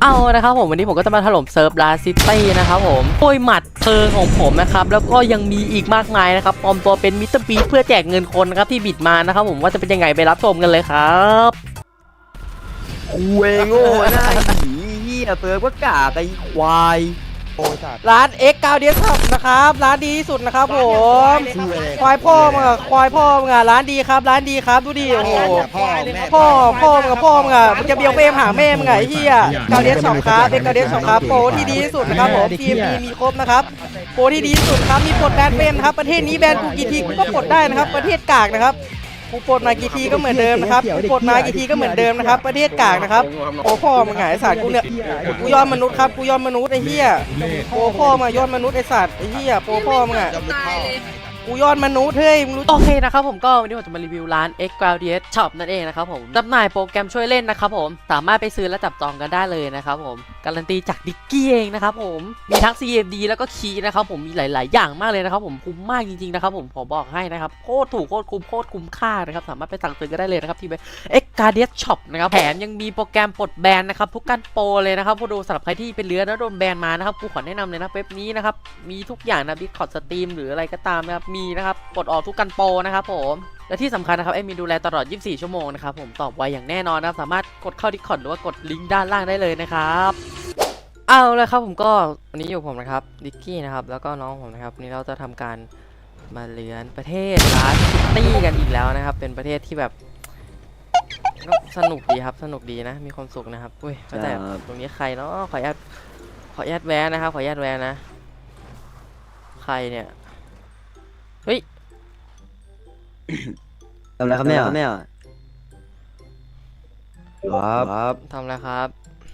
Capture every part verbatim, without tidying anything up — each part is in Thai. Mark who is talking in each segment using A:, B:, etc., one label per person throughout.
A: เอานะครับผมวันนี้ผมก็จะมาถล่มเซิร์ฟลาซิตี้นะครับผมโดยหมัดเพลิงของผมนะครับแล้วก็ยังมีอีกมากมายนะครับปลอมตัวเป็นมิสเตอร์บีเพื่อแจกเงินคนนะครับที่บิดมานะครับผมว่าจะเป็นยังไงไปรับชมกันเลยครับ
B: เวโง่หน้าหีเหี้ยเซิร์ฟก็กากไอ้ควายโอ้ยสัตว์
A: ร้าน เอ็กซ์ เก้า ดี เอส ครับนะครับร้านดีที่สุดนะครับผมควายพ่อมึงอะควายพ่อมึงอะร้านดีครับร้านดีครับดูดิโอ้โหพ่อพ่อมึงอะพ่อมึงอะมึงจะเบียวเฟรมหาแม่มึงไงไอ้เหี้ยเก้า ดี เอส สองครับ เอ็กซ์ เก้า ดี เอส สองครับโปรที่ดีที่สุดนะครับผมทีมมีมีครบนะครับโปรที่ดีที่สุดครับมีปลดแบนเป็นครับประเทศนี้แบนกูกี่ทีกูก็ปลดได้นะครับประเทศกากนะครับกูปลดมากี่ทีก็เหมือนเดิมนะครับกูปลดมากี่ทีก็เหมือนเดิมนะครับประเทศกากนะครับโอ้พ่อมึงไงไอ้สัตว์กูเนี่ยกูยอมมนุษย์ครับกูยอมมนุษย์ไอ้เหี้ยโอ้พ่อมายอดมนุษย์ไอ้สัตว์ไอ้เหี้ยโอ้พ่อมึงอะกูยอดมนุษย์เฮ้ยมึงรู้โอเคนะครับผมก็วันนี้ผมจะมารีวิวร้าน เอ็กซ์ เก้า ดี เอส Shop นั่นเองนะครับผมจำหน่ายโปรแกรมช่วยเล่นนะครับผมสามารถไปซื้อและจับจองกันได้เลยนะครับผมการันตีจากดิกกี้เองนะครับผมมีทั้ง ซี เอ็ม ดี แล้วก็คีย์นะครับผมมีหลายๆอย่างมากเลยนะครับผมคุ้มมากจริงๆนะครับผมขอบอกให้นะครับโคตรถูกโคตรคุ้มโคตรคุ้มค่านะครับสามารถไปสั่งซื้อกันได้เลยนะครับที่ เอ็กซ์ เก้า ดี เอส Shop นะครับแถมยังมีโปรแกรมปลดแบนนะครับทุกการโปรเลยนะครับผู้ดูสำหรับใครที่เป็นเรือแล้วโดนแบนมานะครับกูขอแนะนำเลยนะเว็บนี้นะครับมีทุกอย่างนะ Discord Stream หรืออะไรก็ตามนะครับมีนะครับปลดออกทุกการโปรนะครับผมและที่สำคัญนะครับเอ็มมีดูแลตลอดยี่สิบสี่ชั่วโมงนะครับผมตอบไวอย่างแน่นอนนะครับสามารถกดเข้า Discord หรือว่ากดลิงก์ด้านล่างได้เลยนะครับเอาเลยครับผมก็วันนี้อยู่ผมนะครับดิกกี้นะครับแล้วก็น้องผมนะครับวันนี้เราจะทำการมาเลือนประเทศลาซิตี้กันอีกแล้วนะครับเป็นประเทศที่แบบสนุกดีครับสนุกดีนะมีความสุขนะครับอุ้ยแต่ตรงนี้ใครเนาะขออนุญาตขออนุญาตแวะนะครับขออนุญาตแวะนะใครเนี่ยเฮ้ย
B: ทำอะไรครับเนี่ยเนี่ยครับครับ
A: ทำอะไรครับ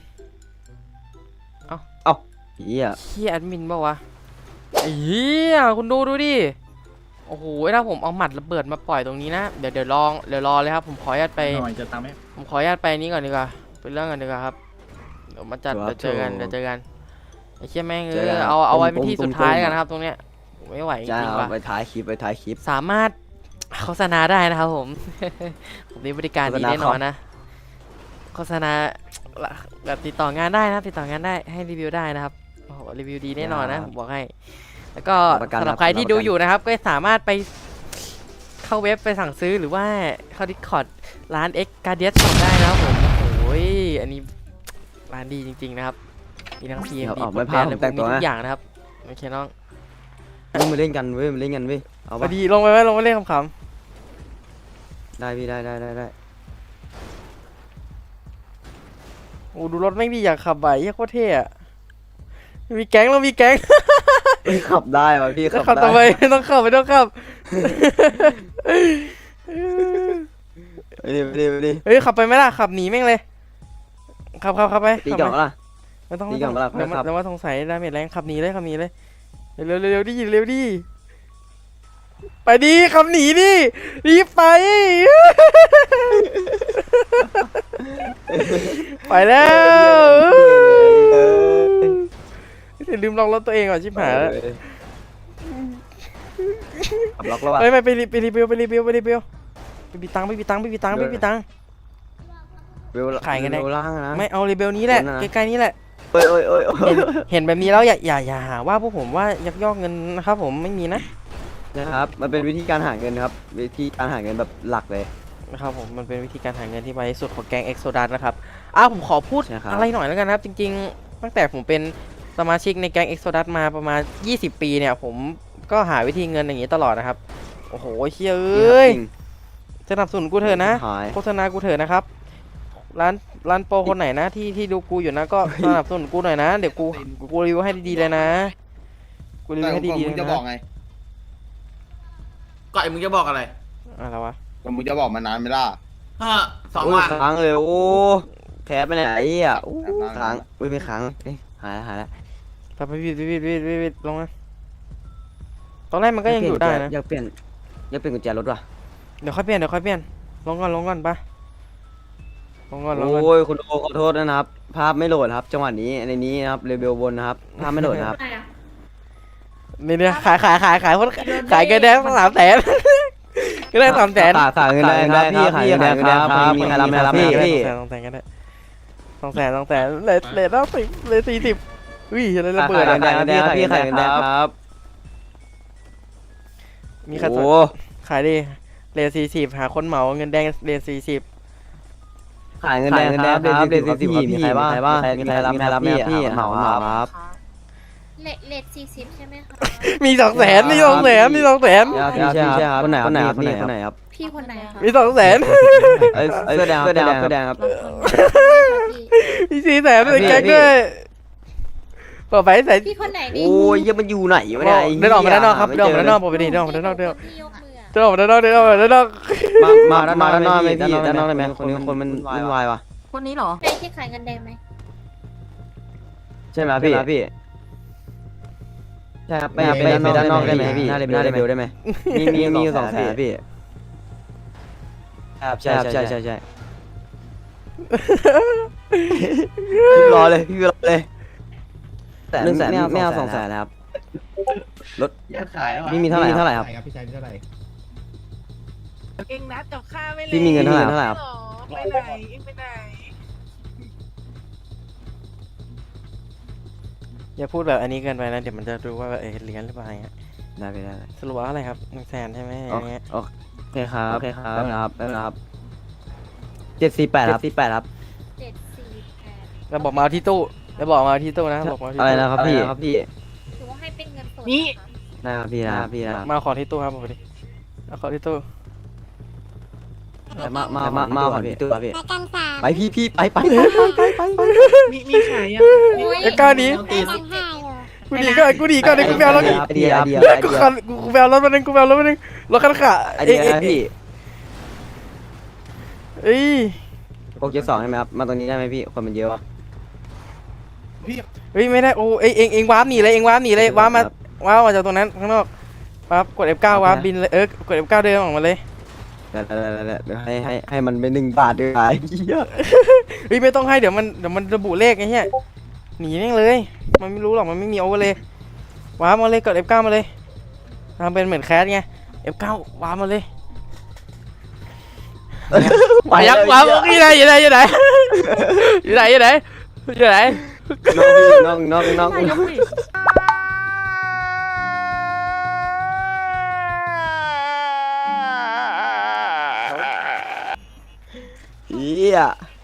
A: เอ้า
B: เอ้าเฮีย
A: เฮียแอดมินป่าวะเฮียคุณดูดูดิโอ้โหถ้าผมเอาหมัดระเบิดมาปล่อยตรงนี้นะเดี๋ยวเดี๋ยวลองเดี๋ยวรอเลยครับผมขออนุญาตไป
C: จะตามไหม
A: ผมขออนุญาตไปนี้ก่อนดีกว่าเป็นเรื่องกันดีกว่าครับเดี๋ยวมาจัดเดี๋ยวเจอกันเดี๋ยวเจอกันไอ้เชี่ยแม่งเออเอาเอาไว้เป็นที่สุดท้ายกันนะครับตรงเนี้ยไม่ไหวจริงๆว่ะ
B: ไปท้ายคลิปไปท้ายคลิป
A: สามารถโฆษณาได้นะครับผมผมมีบริการดีแน่นอนนะโฆษณาแบบติดต่องานได้นะติดต่องานได้ให้รีวิวได้นะครับโอ้โหรีวิวดีแน่นอนนะผมบอกให้แล้วก็สำหรับใครที่ดูอยู่นะครับก็สามารถไปเข้าเว็บไปสั่งซื้อหรือว่าเข้า Discord ร้าน เอ็กซ์ เก้า ดี เอส Shop ได้นะครับผมโอ้ยอันนี้ร้านดีจริงๆนะครับมีทั้ง ซี เอ็ม ดี
B: ไม่พลาดแต่งตัว
A: ทุกอย่างนะครับโอเคน้อง
B: มึงมาเล่นกันเว้ยมาเล่นกันเว้ยเอาไป
A: ดีลงไปไหมลงไปเล่นขำ
B: ๆได้พี่ได้ได้ได้ได้
A: โอ้ดูรถไม่มีอยากขับไหวเฮียโคตรเท่อะมีแก๊งเรามีแก๊ง
B: ขับได้ป่ะพี่
A: ขับทำไมไม่ต้องขับไม่ต้องขับ
B: ไปดิไปดิไปดิ
A: เฮ้ยขับไปไหมล่ะขับหนีแม่งเลยขับขับขับไป
B: ตีก่อนล่ะ
A: ไม่ต้องตีก่อนล่ะเดี๋ยวเดี๋ยวว่าสงสัยดาเมจแรงขับหนีเลยขับหนีเลยเร็วเร็วดิเร็วดิไปดิขับหนีดิรีบไปไปแล้วลืมล็อกรถตัวเองก่อนชิบหายแล้ว
B: ล็อกแล้ววะ
A: ไปไปไปไปรีวิวไปรีวิวไปรีวิวไปบีตังไปบีตังไปบีตังไปบีตังขายกันได้ไม่เอารีวิวนี้แหละใกล้ๆนี้แหละ
B: เอ้ยเอ้ยเอ้ย
A: เห็นแบบนี้แล้วอย่าอย่าอย่าหาว่าพวกผมว่ายักยอกเงินนะครับผมไม่มีนะ
B: นะครับมันเป็นวิธีการหาเงินครับวิธีการหาเงินแบบหลักเลย
A: นะครับผมมันเป็นวิธีการหาเงินที่ไวที่สุดของแก๊งเอ็กโซดัสนะครับอ้าวผมขอพูดอะไรหน่อยแล้วกันนะครับจริงๆตั้งแต่ผมเป็นสมาชิกในแก๊งเอ็กโซดัสมาประมาณยี่สิบปีเนี่ยผมก็หาวิธีเงินอย่างนี้ตลอดนะครับโอ้โหเชี่ยเอ้ยสนับสนุนกูเถอะนะโฆษณากูเถอะนะครับร้านร้านโปรคนไหนนะที่ที่ดูกูอยู่นะก็สนับสนุนกูหน่อยนะเดี๋ยวกูกูรีวิวให้ดีๆเลยนะกูรีวิวให้ดีๆเลยนะ
C: ก็ไอ้มึงจะบอกอะไร
A: อะไรวะ
C: ก็มึงจะบอกมานานไม่ล่ะ
B: ฮะสองวันค้างเลยโอ้แคปไปไหนอ่ะค้างไม่ไม่ค้างหายแล้วหายแล้ว
A: ไปไปวิดวิดวิดวิดวิดลงนะตอนแรกมันก็ยังอยู่ได้นะ
B: อยากเปลี่ยนอยากเปลี่ยนกุญแจรถว่ะ
A: เดี๋ยวค่อยเปลี่ยนเดี๋ยวค่อยเปลี่ยนลงก่อนลงก่อนปะลงก่อนลงก่อน
B: โอ้ยคุณโอขอโทษนะครับภาพไม่โหลดครับจังหวะนี้ในนี้นะครับเรเบลบนนะครับภาพไม่โหลดนะครับ
A: นี่เนี่ยขายขายขายขายคนขายเกินแดงสามแสนก็ได้สามแสน
B: ขายเงินได้ครับพี่ขายเงินได้ครับมีใครรับไหมครับพี่พี่
A: ต้องแต่งกันได้สองแสนสองแสนเลทเลทแล้วสิบเลทสี่สิบอุ้ยอะไรระเบิด
B: ขาย
A: อะ
B: เงินแดงครับพี่ขายเงินแดงครับ
A: มีใครสน
B: โอ้
A: ขายดิเลทสี่สิบหาคนเหมาเงินแดงเลทสี่สิบ
B: ขายเงินแดงครับเดือนสี่สิบพี่มีใครบ้างมีใครรับมีใครรับพี่พี่เหมาเหมาครับ
D: เลทเลทสี่สิบใช่ไหมคะ
A: มีสองแสนมีสองแสนมีสองแสน
B: พี่ใช่ครับคนไหนคนไหนครับคนไหนคนไหนครับ
D: พี่คนไหนคะ
A: มีสองแสน
B: เสื้อแดงเสื้อแดงเสื้อแดงครับ
D: พี่
A: มีสี่แสนด้วยแก๊งด้วยเปิดไฟใส่
D: พี่คนไหนดิ
B: โอ้ยยังมันอยู่ไหนวะเนี่ย
A: เดินออกมาด้านนอกครับเดินออกมาด้านนอกผมไปดิเดินออกมาด้านนอกเดิน
D: พี่ยกมืออะ
A: เดินออกมาด้านนอกเดินออกมาด้านนอก
B: มามามาด้านนอกไหมพี่ด้านนอกได้ไหมคนนี้คนมันวุ่นวายวะ
E: คนนี้เหรอ
D: ใช่ที่ขายเงินแดงไหม
B: ใช่ไหมพี่พี่ใช่ครับไปไปด้านนอกได้ไหมพี่หน้าเรเบลได้ไหมมีมีมีสองแสนพี่ครับใช่ใช่ใช่ใช่พี่รอเลยพี่รอเลยแต่หนึ่งแสนไม่เอาสองแสนนะครับรถ
C: อยากขายแล้ว
B: พี่มีเท่าไหร่เท่าไหร่ครับ
C: พี่ชายมีเท่าไหร่
E: เองนัดกับข้าไม่เลย
B: พี่มีเงินเท่าไหร่เท่าไหร่ครับ
E: หรอไปไหนเองไปไหน
A: อย่าพูดแบบอันนี้เกินไปนะเดี๋ยวมันจะรู้ว่าเออเลี้ยนหรือเปล่าอย่างเงี้ย
B: ได้ไปได้
A: สรุปว่าอะไรครับหนึ่งแสนใช่ไหมอย่างเงี้ย
B: โอเคครับโอเคครับได้ครับได้ครับเจ็ดสี่แปดครับสี่แปดครับ
D: เจ็ดสี่แปด
A: แล้วบอกมาเอาที่ตู้แล้วบอกมาเอาที่ตู้นะบอกมาเอาที่
B: อะไร
A: ตู้
B: นะครับพี่ครับพี่
D: ถือว่าให้เป็นเงินสด
E: นี่
B: ได้ครับพี่นะครับพี่นะครับ
A: มาเอาของที่ตู้ครับบอกไปดิเอาของที่ตู้
B: มามามามาก่อนพี่ตู้ครับพี่
D: ประกันสาม
B: ไปพี่พี่ไปไปไปไปไป
E: มีมีขายยัง
A: ไอ้ก้อนนี้
D: ประกันห้าอยู่
A: กูหนีก่อนกูหนีก่อนเดี๋ยวกูแบลรถ
B: ไอเดียไอเดียไอ
A: กู
B: เดีย
A: ขันกูแบลรถมาหนึ่งกูแบลรถมาหนึ่งรถคันขา
B: ไอเดียนะพี่
A: เอ้ย
B: โปรเจกต์สองใช่ไหมครับมาตรงนี้ได้ไหมพี่คนมันเยอะวะ
A: เฮ้ยไม่ได้โอ้เอ้ยเองเองวาร์ปหนีเลยเองวาร์ปหนีเลยวาร์ปมาวาร์ปมาจากตรงนั้นข้างนอกวาร์ปกด เอฟ เก้า วาร์ปบินเลยเออกด เอฟ เก้า เดินออกมาเลย
B: เดี๋ยวเดี๋ยวให้ให้ให้มันเป็นหนึ่งบาทด้วยไอ้เหี้ย
A: เฮ้ยไม่ต้องให้เดี๋ยวมันเดี๋ยวมันระบุเลขไอ้เหี้ยหนีแม่งเลย มันไม่รู้หรอกมันไม่มีโอเวอร์เลยวาร์ปมาเลยกด เอฟ เก้า มาเลยทำเป็นเหมือนแคสไง เอฟ เก้า วาร์ปมาเลยไปยักวาร์ปอยู่ไหนอยู่ไหนอยู่ไหนอยู่ไหนอยู่ไหนอยู่ไหน
B: น้องน้องน้อง
E: นาย
B: น้
E: ก
B: อง
E: ดิ
B: เหี้ย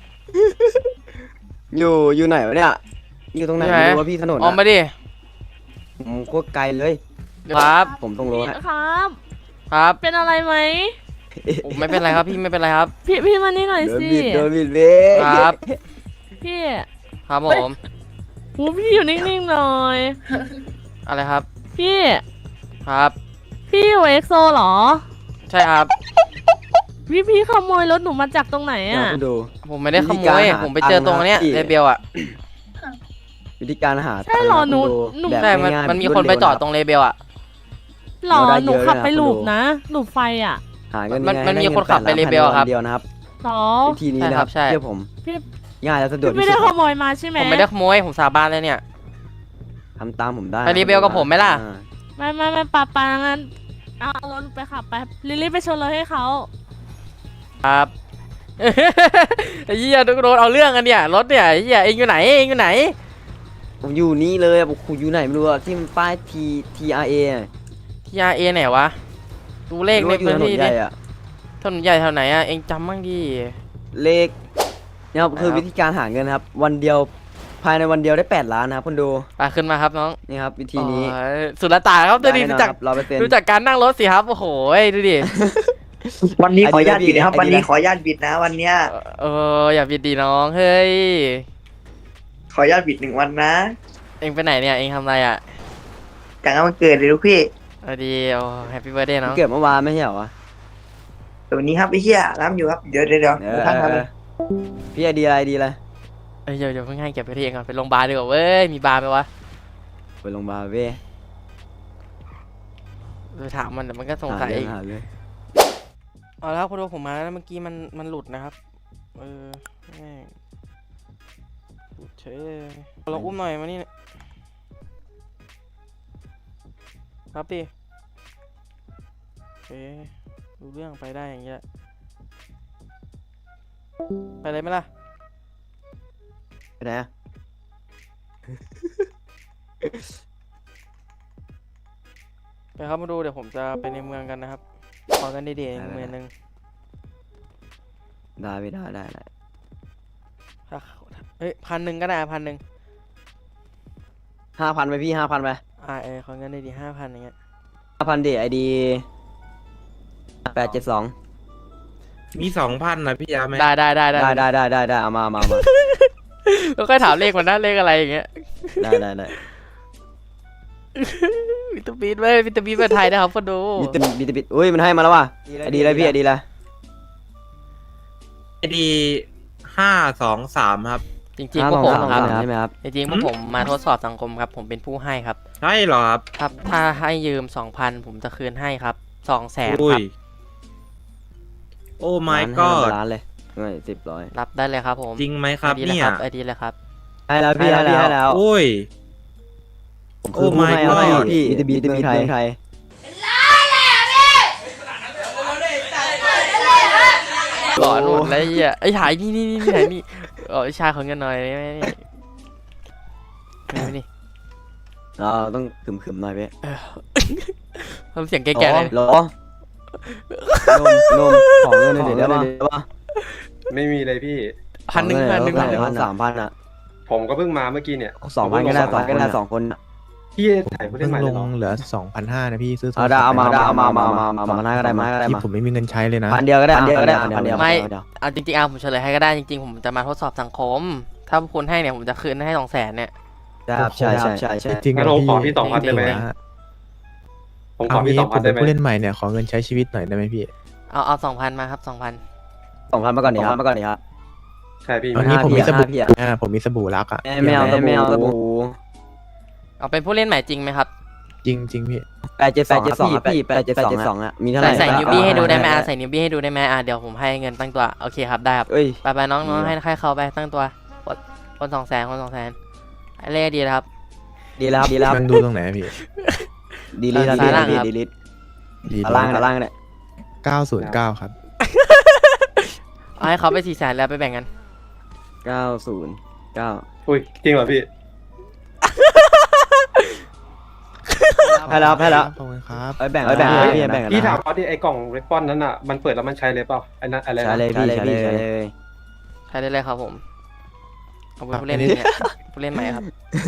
B: อยู่อยู่ไหนวะเนี่ยอยู่ตรงไหนไม่รู้ว่าพี่ถนน
A: ออกมาดิ
B: ผมโคตรไกลเลย
A: ครับ
B: ผมต้องรู้
E: ครับ
A: ครับ
E: เป็นอะไรไหม
A: ผมไม่เป็นไรครับพี่ไม่เป็นไรครับ
E: พี่พี่มานี่หน่อย
B: โดน
E: สิ
B: บิดโดนบิดเว้ย
A: ครับ
E: พี่
A: ครับผม
E: หูพี่อยู่นิ่งๆหน่อย
A: อะไรครับ
E: พี่
A: ครับ
E: พี่อยู่เอ็กโซเหรอ
A: ใช่ครับ
E: พี่พี่ขโมยรถหนูมาจากตรงไหน
B: เนี่ย
E: อ่ะ
B: คุณดู
A: ผมไม่ได้ข
B: วิ
A: โม
B: ธีการ
A: ย
B: หา
A: ผมไปเจอตรงเนี้ย
B: ตังค์นะ
A: เรเบลอ่ะ
B: วิธีการหา
E: ใช่เหรอหนู
B: ตังค์
E: หนู
B: แบบ
A: ใช่มัน
B: ง่ายๆ
A: มันมีคนไปจอดตรงเรเบลอ่ะ
E: หรอ
B: เราได้
E: หนู
B: เยอะ
E: ขับ
B: เลยนะ
E: ไป
B: คุณ
E: ลู
B: ดู
E: ปนะ ลูปไฟอ่ะ
B: หาเงิน
A: มัน
B: ง่ายๆ
A: มันมี
B: ได้งิ
A: คนขับไป
B: แปด
A: เรเบล
B: ล้าน
A: ครับ
B: ภายในวันเดียวนะครับ
E: หรอ
B: วิธีนี้นะครับ
A: ใช่ครับใช่
B: เชื่อผม
E: พี่
B: ง่ายและสะดวก
E: พี่ไม่
B: ที่
E: ได้
B: สุด
E: ขโมยมาใช่ไหม
A: ผมไม่ได้ขโมยผมสาบานเลยเนี่ย
B: ทำตามผมได้
A: ไปรีเบลกับผมไหมล่ะ
B: อ่า
E: ไม่ไม่ไม่ปาปางั้นเอารถไปขับไปลิลลี่ไปชนรถให้เขา
A: ครับ ไอ้เหี้ยโดนเอาเรื่องกันเนี่ยรถเนี่ยไอ้เหี้ยเองอยู่ไหนเองอยู่ไหน
B: ผมอยู่นี่เลยอะผมอยู่ไหนไม่รู้อะที่มันป้าย T T R A อะ
A: ที อาร์ เอ ไหนวะดูเลขใน
B: ไม่รู้
A: พื้น
B: ว่าอยู่
A: ที่
B: ถนนให
A: ดิ
B: ญ่อะ
A: ถนนใหญ่แถวไหนอ่ะเองจำบ้างดิ
B: เลขเนี่ยครับคือวิธีการหาเงินครับ วันเดียวภายในวันเดียวได้แปดล้านนะครับคุณดู
A: ไปขึ้นมาครับน้อง
B: นี่ครับวิธีนี้
A: โอ้ยสุดละตาครับดูดิดูจาก
B: ร้อยเปอร์เซ็นต์
A: ดูจากการนั่งรถสิครับโอ้โหดูดิ
F: วันนี้ขออนุญาตบิดนะครับ
B: ไอเดีย
F: วันนี้ขออนุญาตบิดนะ วันเนี้ย
A: เอออย่าบิดดีน้องเฮ้ย
F: ขออนุญาตบิดหนึ่งวันนะ
A: เองไปไหนเนี่ยเองทำอะไรอ่ะ
F: จากนั้นวันเกิดเลยลูกพี่
A: เออดีโอ้แฮปปี้เบิร์ดเดย์น้อง
B: เกิดเมื่อวานไม่ใช่เหรอวะ
F: แต่วันนี้ครับไอ้เหี้ยรับอยู่ครับเดี๋ยวเดี๋ยวเดี๋ยว
B: เออ
F: ท่านครับ
B: พี่ไอเดียอะไรดีเลย
A: เอ้ยเดี๋ยวเดี๋ยวเพิ่งให้เก็บไปที่เองก่อนไปโรงพยาบาลดีกว่าเว้ยมีบาร์ไหมวะ
B: ไปโรงพยาบาลเว้ย
A: ไปถามมันเดี๋ยวมันก็สงสัย
B: หา
A: อี
B: เรื่
A: ก
B: หาเลย
A: เอาแล้วพอดูผมมาแล้วเมื่อกี้มันมันหลุดนะครับเออแม่งหลุดเฉยเลยลองอุ้มหน่อยมานี่ครับดิโอเครู้เรื่องไปได้อย่างเงี้ยไปเลยไหมล่ะ
B: ไปไหนอะ
A: ไปครับมาดูเดี๋ยวผมจะไปในเมืองกันนะครับขอกันดีๆอีกเมืองหนึง
B: ได้ไม่ได้ได้ได้
A: ถ้าเฮ้ยพันหนึ่งก็ได้พันหนึ่ง
B: ห้าพันไปพี่ห้าพันไป
A: อ่าเออขอเงินดีๆห้าพันอย่างเงี้ย
B: ห้าพันดิไอดีแปดเจ็ดสอง
G: มีสองพันนะพี่ยาไหม
A: ได้ได้ได้ได้
B: ได้ได้ได้ได้ได้เอามาเอามาเอามา
A: แล้วก็ถามเลขมันนะเลขอะไรอย่างเงี้ย
B: ได้ได้ได้
A: วิตามินไว้วิตามินมาไทยนะครับคนดู
B: มีติมีติปิดอุ้ยมันให้มาแล้วว่ะไอดีอะไรพี่ไอดีอะไร
G: ไอดีห้าสองสามครับ
A: จริงๆพวกผมครับ
B: ใช่ไหมครับ
A: จริงๆพวกผมมาทดสอบสังคมครับผมเป็นผู้ให้ครับ
G: ใช่เหรอครับ
A: ครับถ้าให้ยืมสองพันผมจะคืนให้ครับสองแสน
G: อุ้
A: ค
G: ย
A: รับ
G: โอ้ my
B: ร้านให้
G: god
B: ร้านเลยเงินสิบร้อย
A: รับได้เลยครับผม
G: จริงไหมครับ
A: ไอดีเลย
G: เนี่ย
A: ครับไอดีเลยครับ
B: ให้แล้วพี่ให้แล้วให้แล้ว
G: โอ้ย
B: ผมคือผู้ให้
G: Oh my
B: ให้
G: god
B: พี่บีบีบีไทยไทย
A: หลอนหมดเลยไอ้เหี้ยไอ้ถ่ายนี่นี่นี่ถ่ายนี่เออไอ้ชายของเงินหน่อยนี่นี่นี่นี่
B: เราต้องขึมขึมๆหน่อยพี่
A: ทำเสียงแก่ๆเลย
B: หรอนมนมของเงินหน่อยได้ปะ
H: ไม่มีเลยพี่
A: พันหนึ่งพันหนึ่ง
B: พั
A: พั
B: น
A: นหนึ่ง
B: พันสามพันอ่ะ
H: ผมก็เพิ่งมาเมื่อกี้เนี่ย
B: สองพันก็ได้สองก็ได้สองคน
H: พี่ถ่ายผู้เล่นใหม่
I: ล
H: เลย
I: ง
H: เหรอ
I: เหลือสองพันห้านะพี่ซื้อ
B: เอาได้เอามาเอามาเอามาเอามาเอามาได้ก็ได้มาก็ได้
I: ที่
B: มา
I: ผมไม่มีเงินใช้เลยนะ
B: พันเดียวก็ได้พันเดียวก็ได้พันเดียว
A: ไม่เอาจริงๆเอาผมเฉลยให้ก็ได้จริงๆผมจะมาทดสอบสังคม ถ้าคุณให้เนี่ยผมจะคืนให้สองแสนเนี่ย
B: ใช่ใช่ใช่ใช่
I: จริงๆ
H: งั้นผมขอพี่สองพันได้ไหม
I: นะฮะ
H: ผมข
I: เอา
H: อพี่
I: งี้
H: สอง
I: ผ
H: พัน
I: ม
H: ได้
I: เป็น
H: ไหม
I: ผู้เล่นใหม่เนี่ยขอเงินใช้ชีวิตหน่อยได้ไหมพี่
A: เอาเอาสองพันมาครับสองพัน
B: สองพันมาก่อนดิครับมาก่อนดิครับ
H: ใช่พี่
I: อันนี้ผมมีสบู่
B: พี่อะ
I: อ่าผมมีสบู่รักอ่ะ
B: ไม่เอาไม่เอาตะบู
A: เอาเป็นผู้เล่นใหม่จริงไหมครับ
I: จริงจริงพี่
B: แปดเจ็ดสองพี่พี่แปดเจ็ดสองอ่ะมีเท่าไห
A: ใส่
B: ร่
A: ใส่นิวบี้ให้ดูได้ไหมอ่ะใส่นิวบี้ให้ดูได้ไหมอ่ะเดี๋ยวผมให้เงินตั้งตัวโอเคครับได้ครับ
B: เอ้ย
A: ไปไปน้องน้องให้ให้เขาไปตั้งตัวคนคนสองแสนคนสองแสนเลขดีนะครับ
B: ดีแล้วดีแล้ว
I: มันดูตรงไหนอะพี่
B: ดีลิท
A: ซ้ายล่างครับ
B: ดีลิท
I: ดี
B: ล่างล่างเนี่ย
I: เก้าศูนย์เก้าครับ
A: เอาให้เขาไปสี่แสนแล้วไปแบ่งกัน
B: เก้าศูนย์เก้า
H: อุ้ยจริงเหรอพี่
B: ให้แล้วให้แล้ว
I: ขอบคุณครับ
B: ไปแบ่งไปแบ่งให้พี่แบ่งกัน
H: พี่ถามเขาที่ไอ้กล่องเรสปอนนั้นอ่ะมันเปิดแล้วมันใช้เลยเปล่าไอ้นั่นอะไรนะ
B: ใช่เลยพี่ใช่เลย
A: ใช้ได้เลยครับผมเอาเป็นผู้เล่นเนี่ยผู้เล่นใหม่ครับ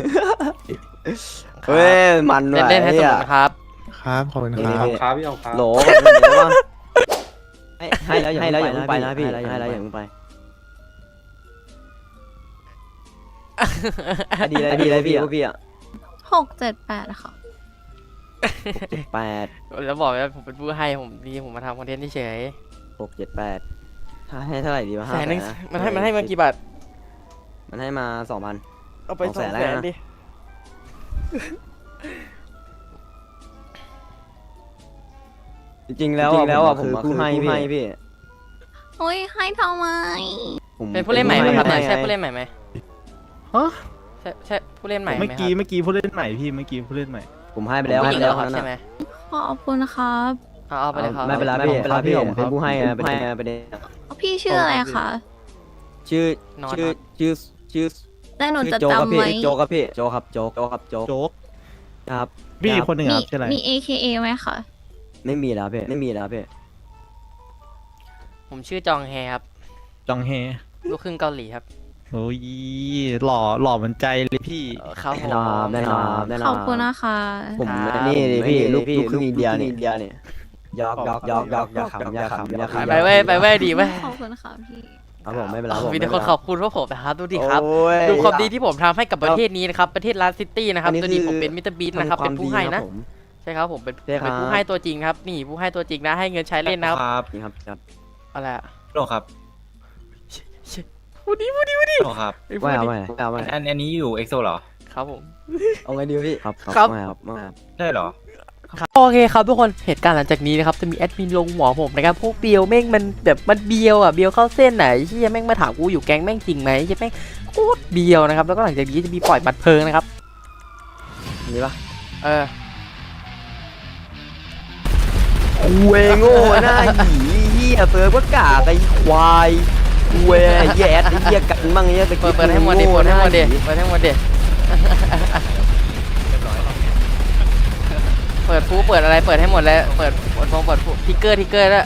B: เฮ้ยมัน
A: เล่นเล่นให้สนุกนะครับ
I: ครับขอบคุณค
H: ข
I: รั
H: อบ บครับพี่เอาครับ
B: โหลให้แล้วให้แล้วอย่าเพิ่งไปนะพี่ให้แล้วอย่าเพิ่งไปดีเลยดีเลยพี่พี่อ่ะ
D: หกเจ็ดแปดค่ะ
B: แปด
A: แล้วบอกว่าผมเป็นผู้ให้ผมดีผมมาทำคอนเทนต์เฉย
B: หกเจ็ดแปดให้เท่าไหร่ดีวะ
A: แสนนึงมันให้มันให้มากี่บาท
B: มันให้มาสองพัน
A: เอาไป
B: ส
A: ส
B: อ
A: อง ง
B: แส
A: แส
B: น
A: น
B: แล้วนะ
A: ดิ
B: จริงๆแล้วแล้วอ่ะผมผู้ให้พี่
D: โอ้ยให้ทำไม
A: เป็นผู้เล่นใหม่ไหมครับใช่ผู้เล่นใหม่ไหมใช่ใช่ผู้เล่นใหม่ไหม
J: เมื่อ
A: ครับ
J: กี้เมื่อกี้ผู้เล่นใหม่พี่เมื่อกี้ผู้เล่นใหม่
B: ผมให้ไปแล้ว
A: ผู้
B: ให้
A: หญิง
B: ไปแล้ว
A: เหรอครับใช่ไหม
D: ขอบคุณครับ
A: เอาเอาไปเลยครับ
B: ไม่เป็นไรพี่เป็นไรพี่เป็นผู้ให้เป็นให้เป็น
D: พี่ชื่ออะไรคะ
B: ชื่อชื่อชื่อชื่อ
D: แต่หนูจะ
B: โจครับ
D: จำ
B: พี่
D: ไว้
B: โจครับพี่โจครับโจโจครับโจ
J: โจ๊ก
B: ครับ
J: พี่อีกคนหนึ่ง
D: มี
J: ครับชื่ออะไร
D: มี เอ เค เอ ไหมคะ
B: ไม่มีแล้วพี่ไม่มีแล้วพี่
A: ผมชื่อจองแฮครับ
J: จองเฮ
A: ลูกครึ่งเกาหลีครับ
J: โอ้ยหล่อหล่อเหมือนใจเลยพี่
A: เออครับผ
B: แน่
A: ม
B: นอนแน่นอนแน่นอน
D: ขอบคุณนะคะ
B: ผมนี่พี่ลูกลูกครึ่งอินเดียนี่อินเดียนี่ยอกยอกยอกยอกยอกขำยอกขำยอกขำ
A: ไปเว้ยไปเว้ยดีเว้ย
D: ขอบคุณค่ะพี่
B: ครับผมไม่เป็นไร
A: มีแต่คนขอบคุณพวกผมนะครับดูดิครับ
B: โอ้ย
A: ดูความดีที่ผมทำให้กับประเทศนี้นะครับประเทศลาสซิตี้นะครับ
B: อันนี้
A: ตัวนี้
B: คือ
A: ผมเป็นมิสเตอร์บีทนะครับ
B: ทำวา
A: เป็
B: ม
A: นผู้
B: ดี
A: ให้
B: ครั
A: นะ
B: บผม
A: ใช่ครับผมเป็น
B: ใช่ครับ
A: เป็นผู้ให้ตัวจริงครับนี่ผู้ให้ตัวจริงนะให้เงินใช้เล่นนะครับ
J: ครับ
B: นี่ครับครับ
A: อะไรอะ
J: โลครับ
A: พูดดีพูดดีพูดดี
J: โลครับ
A: ไอ้พูด
B: ว่าเอา
A: ดี
B: ไว้เอาไว้
J: อันอันนี้อยู่เอ็กโซเหรอ
A: ครับผม
B: เอาไงดีพี่ครับ
A: ครับ
B: ไม่ครับไม่ครับ
J: ได้เหรอ
A: โอเคครับทุกคนเหตุการณ์หลังจากนี้นะครับจะมีแอดมินลงหัวผมนะครับพวกเบียวแม่งมันแบบมันเบียวอ่ะเบียวเข้าเส้นไหนที่แม่งมาถามกูอยู่แก๊งแม่งจริงไหมใช่แม่งโคตรเบียวนะครับแล้วก็หลังจากนี้จะมีปล่อยบัตรเพลิงนะครับ
B: นี่ปะ
A: เออ
B: คุยโง่หน้าหยีเหี้ยเซิร์ฟก็กากไอ้ควายเว้ยแย่ไอ้เหี้ยกันมั่งเหี้ยตะ
A: เปิ
B: กี้
A: ดเปิดให้หมดดิเปิดให้หมดดิเปิดให้หมดดิเปิดฟูเปิดอะไรเปิดให้หมดเลยเปิดเปิดฟงเปิดฟูทิกเกอร์ทิกเกอร์แล้ว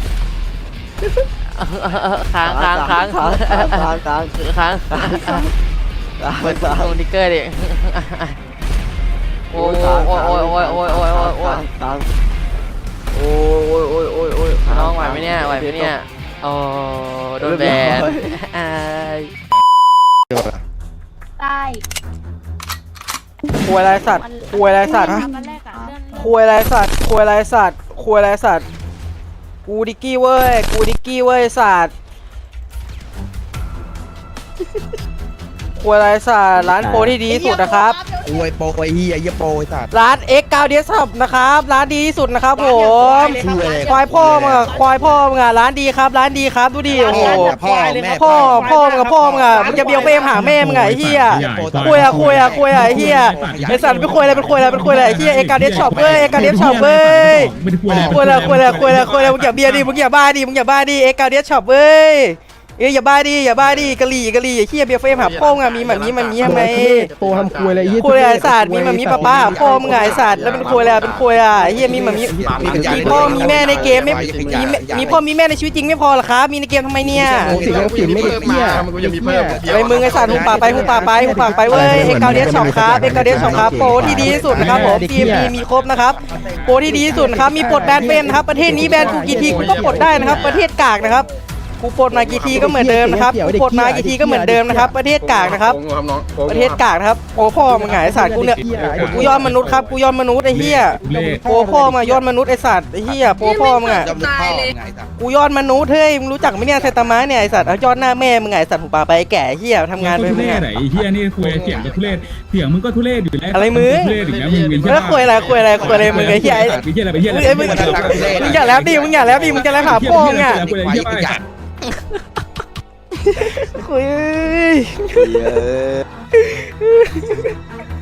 A: ค้างค้างค้าง
B: ค้างค้างค้าง
A: ค้างเปิดฟงทิกเกอร์ดิโอ้ยโอ้ยโอ้ยโอ้ยโอ้ยโอ้ยโอ้ยโอ้ย
B: ค้างโอ้ยโอ้ยโอ้ยโอ้ย
A: น้องไหวไหมเนี่ยไหวไหมเนี่ยโอ้โดนแบนไอ้
D: ได้
A: ควยไรสัตว์ควยไรสัตว์
E: วันแรกอะเลื่อนเลื่อน
A: ควยไรสัตว์ควยไรสัตว์ควยไรสัตว์กูดิกกี้เว้ยกูดิกกี้เว้ยสัตว์ควยไรสัตว์ร้านโปรที่ดีที่สุดนะครับ
I: อวยโปรไอ้เหี้ยเหี้ยโปรไอ้สัตว์
A: ร้าน เอ็กซ์ เก้า เดสช็อปนะครับร้านดีที่สุดนะครับผม
I: ชื่ออะไร
A: ควายพ่อมึงอะควายพ่อมึงอะร้านดีครับร้านดีครับดูดิโอ้โห
I: พ่อแม่
A: พ่อพ่อมึงอะพ่อมึงอะมึงจะเบียวเฟรมหาแม่มึงอะไอ้เหี้ยคุยอะคุยอะคุยอะไอ้เหี้ยไอ้สัตว์เป็นคุยอะไรเป็นคุยอะไรเป็นคุยอะไรไอ้เหี้ยเอ็กซ์ เก้า เดสช็อปเว้ยเอ็กซ์ เก้า เดสช็อปเว้ยคุยอะไรคุยอะไรคุยอะไรคุยอะไรมึงอย่าเบียร์ดิมึงอย่าบ้าดิมึงอย่าบ้าดิเอ็กซ์ เก้า เดสช็อปเว้ยเอ้ยอย่าบ้าดิอย่าบ้าดิกะหรี่กะหรี่ไอ้เหี้ยเบียร์เฟรมหาพ่อมึงอะมีแบบนี้มันนี้ทำไม
I: โปรทำควยอะไรเหี้ย
A: คุยอะไรไอ้สัตว์มีมันมีป้าป้าหาพ่อมึงไงไอ้สัตว์แล้วเป็นคุยอะไรเป็นคุยอะไอ้เหี้ยมีมันมีมีพ่อมีแม่ในเกมไม่มีมีพ่อมีแม่ในชีวิตจริงไม่พอหรอครับมีในเกมทำไมเนี่ย
I: สิ่งยังผิดไม่ได้เหี้ย
C: มันก็ยังมีเพิ่ม
A: ไปมึงไอ้สัตว์หุบปากไปหุบปากไปหุบปากไปเว้ยเอ็กซ์ เก้า เดสช็อปครับเอ็กซ์ เก้า เดสช็อปครับโปรที่ดีที่สุดนะครับผม ที เอ็ม พี มีครบนะครับโปรที่ดีที่สุดนะครับมีปลดแบนเป็นนะครับประเทศนี้แบนกูกี่ทีกูก็ปลดได้นะครับประเทศกากนะครับกูปลดมากี่ทีก็เหมือนเดิมนะครับกูปลดมากี่ทีก็เหมือนเดิมนะครับประเทศกากนะครับประเทศกากนะครับโอ้พ่อมึงไงไอ้สัตว์กูเนี่ยกูยอดมนุษย์ครับกูยอดมนุษย์ไอ้เหี้ยโปรพ่อมายอดมนุษย์ไอ้สัตว์ไอ้เหี้ยโปรพ่อมึงอะกูยอดมนุษย์เฮ้ยมึงรู้จักไหมเนี่ยไซตามะเนี่ยไอ้สัตว์เอายอดหน้าแม่มึงไงไอ้สัตว์หูปลาไปไอ้แก่เหี้ยทำงานไปมึงอะ
K: ไอ้เฮียนี่คุยเสียงก็ทุเรศเสียงมึงก็ทุเรศอยู่แล้ว
A: อะไรมึง
K: ทุเรศอย่างเงี้ยมึงเป็น
A: แล้วคุยอะไรคุยอะไรคุยอะไรมึงไอ้เหี้ยไอ้
K: ไปเฮียอะไรไปเฮียอะไร
A: เอ้ยมึงมึงอย่าแล้วดิมึงอย่าแล้วดิมึงจะแล้วหาพ่อมึงอะคุย
B: เหี้ย